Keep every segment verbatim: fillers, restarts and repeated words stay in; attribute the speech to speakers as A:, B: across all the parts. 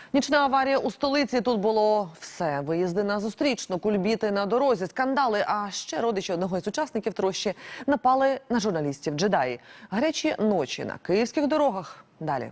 A: Нічна аварія у столиці. Тут було все. Виїзди на зустрічну, кульбіти на дорозі, скандали. А ще родичі одного із учасників трощі напали на журналістів. Джедаї. Гарячі ночі на київських дорогах. Далі.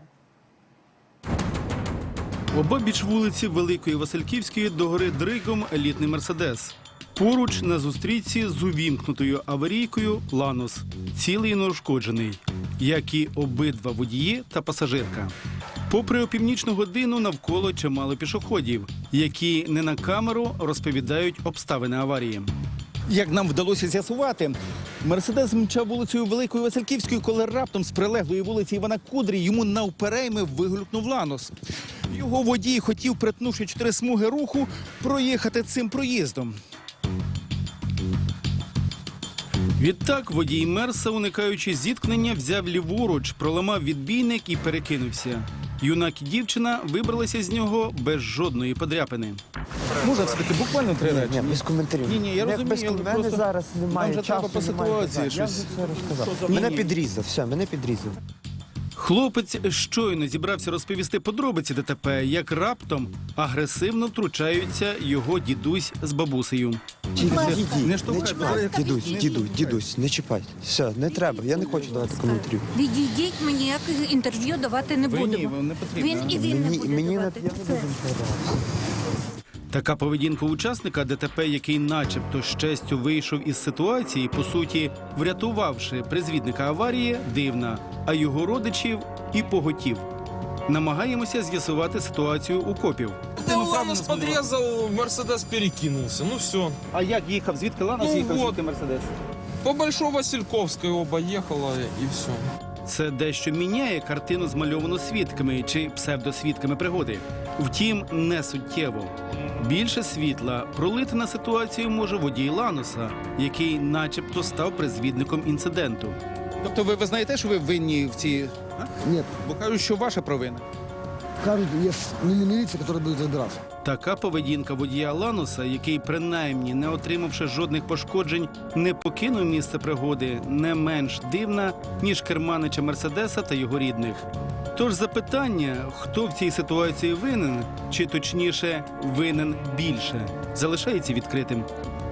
B: Обабіч вулиці Великої Васильківської догори дригом елітний «Мерседес». Поруч на зустрічці з увімкнутою аварійкою «Ланос», цілий і неушкоджений, як і обидва водії та пасажирка. Попри опівнічну годину навколо чимало пішоходів, які не на камеру розповідають обставини аварії.
C: Як нам вдалося з'ясувати, «Мерседес» мчав вулицею Великої Васильківської, коли раптом з прилеглої вулиці Івана Кудрі йому навперейми вигулькнув «Ланос». Його водій хотів, перетнувши чотири смуги руху, проїхати цим проїздом.
B: Відтак водій «Мерса», уникаючи зіткнення, взяв ліворуч, проламав відбійник і перекинувся. Юнак і дівчина вибралися з нього без жодної подряпини.
C: Можна все-таки буквально три речі?
D: Ні, без коментарів.
C: Ні, ні, я розумію,
D: без
C: але
D: ком...
C: просто
D: мене зараз немає
C: нам же
D: часу,
C: треба по
D: немає
C: ситуації
D: питань. Я
C: щось.
D: вже все розказав.
C: Ні,
D: Мене
C: ні.
D: підрізав, все, мене підрізав.
B: Хлопець щойно зібрався розповісти подробиці ДТП, як раптом агресивно втручаються його дідусь з бабусею.
D: Відійдіть,
C: Не
D: не
C: штовхай,
D: чіпай.
C: не
D: Дідусь,
C: штовхай.
D: дідусь, дідусь, не чіпай. Все, не треба, я не хочу давати коментарів.
E: Відійдіть, ми ніяких інтерв'ю давати не
C: Ви
E: будемо.
C: ні, вам не потрібно.
E: Він і він не
D: Мені,
E: буде
D: мені не, я не
E: давати.
D: буду нічого давати.
B: Така поведінка учасника ДТП, який начебто з честю вийшов із ситуації, по суті, врятувавши призвідника аварії, дивна, а його родичів і поготів. Намагаємося з'ясувати ситуацію у копів.
F: Да, Ланос подрезал, Мерседес перекинулся. Ну все.
C: А як їхав? Звідки «Ланос»
F: Ну,
C: їхав,
F: вот.
C: звідки «Мерседес»?
F: По Большой Васильковской оба ехала и все.
B: Це дещо міняє картину, змальовану свідками чи псевдосвідками пригоди. Втім, не суттєво. Більше світла пролити на ситуацію може водій «Ланоса», який начебто став призвідником інциденту.
C: Тобто ви визнаєте, що ви винні в цій... А?
G: Нет,
C: Бо кажуть, що ваша провина.
G: кажут, есть милиция, которая будет разбираться.
B: Така поведінка водія «Ланоса», який принаймні, не отримавши жодних пошкоджень, не покинув місце пригоди, не менш дивна, ніж керманича «Мерседеса» та його рідних. Тож запитання, хто в цій ситуації винен, чи точніше винен більше, залишається відкритим.